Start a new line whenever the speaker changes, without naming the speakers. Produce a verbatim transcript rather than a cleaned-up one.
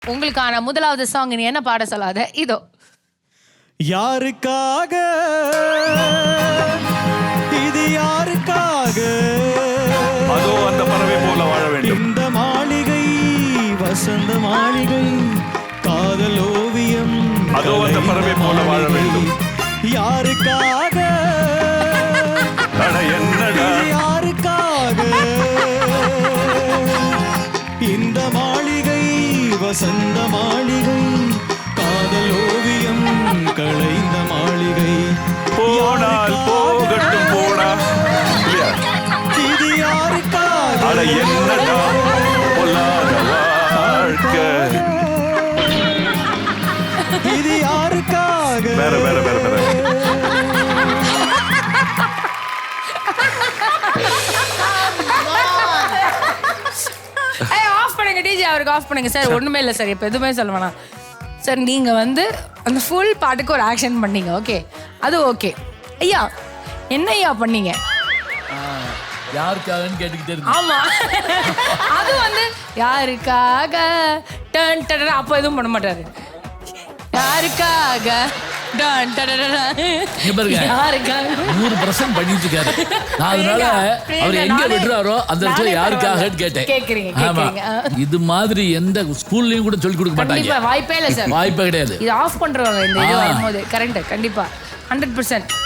உங்களுக்கான முதலாவது சாங் நீ என்ன பாட சொல்லாத இதோ.
யாருக்காக இது யாருக்காக
அதோ அந்த பறவை போல வாழ வேண்டும்.
இந்த மாளிகை வசந்த மாளிகை காதல் ஓவியம்
அதோ அந்த பறவை போல வாழ வேண்டும்.
யாருக்காக
அட என்னடா
இது யாருக்காக இந்த மாளிகை வசந்த மாளிகை காதல் ஓவியம் களைந்த மாளிகை
போனால் போகட்டும் போடா. இல்லையா?
இது யாருக்காக
அட என்னடா பொல்லாத வாழ்க்கை.
இது யாருக்காக
வேற வேற வேற வேற
ஆஃப் பண்ணுங்க டிஜே, அவருக்கு ஆஃப் பண்ணுங்க சார். ஒண்ணுமே இல்லை சார், இப்போ எதுவுமே சொல்ல வேணாம் சார். நீங்க வந்து அந்த ஃபுல் பாட்டுக்கு ஒரு ஆக்ஷன் பண்ணீங்க, ஓகே, அது ஓகே. ஐயா என்ன ஐயா பண்ணீங்க?
யாருக்காகன்னு கேட்டுக்கிட்டே இருக்கு.
ஆமா, அது வந்து யாருக்காக டன் டன் அப்போ எதுவும் பண்ண மாட்டாரு. யாருக்காக டன் டன்
இங்க பாருங்க,
யாருக்காக
நூறு பர்சன்ட் பண்ணிட்டு இருக்காரு. நான் அதனால அவர் எங்க விடுறாரோ அந்த இடத்துல யாருக்காகன்னு கேட்டேன்.
கேக்குறீங்க
ஆமா,
கேக்குறீங்க.
இது மாதிரி எந்த ஸ்கூல்லயும் கூட சொல்லி கொடுக்க
கண்டிப்பா
மாட்டாங்க.
வாய்ப்பே இல்லை சார்,
வாய்ப்பே கிடையாது.
இது ஆஃப் பண்றவங்க இந்த இது வரும்போது கரெக்ட். கண்டிப்பா ஹண்ட்ரட் பர்சன்ட்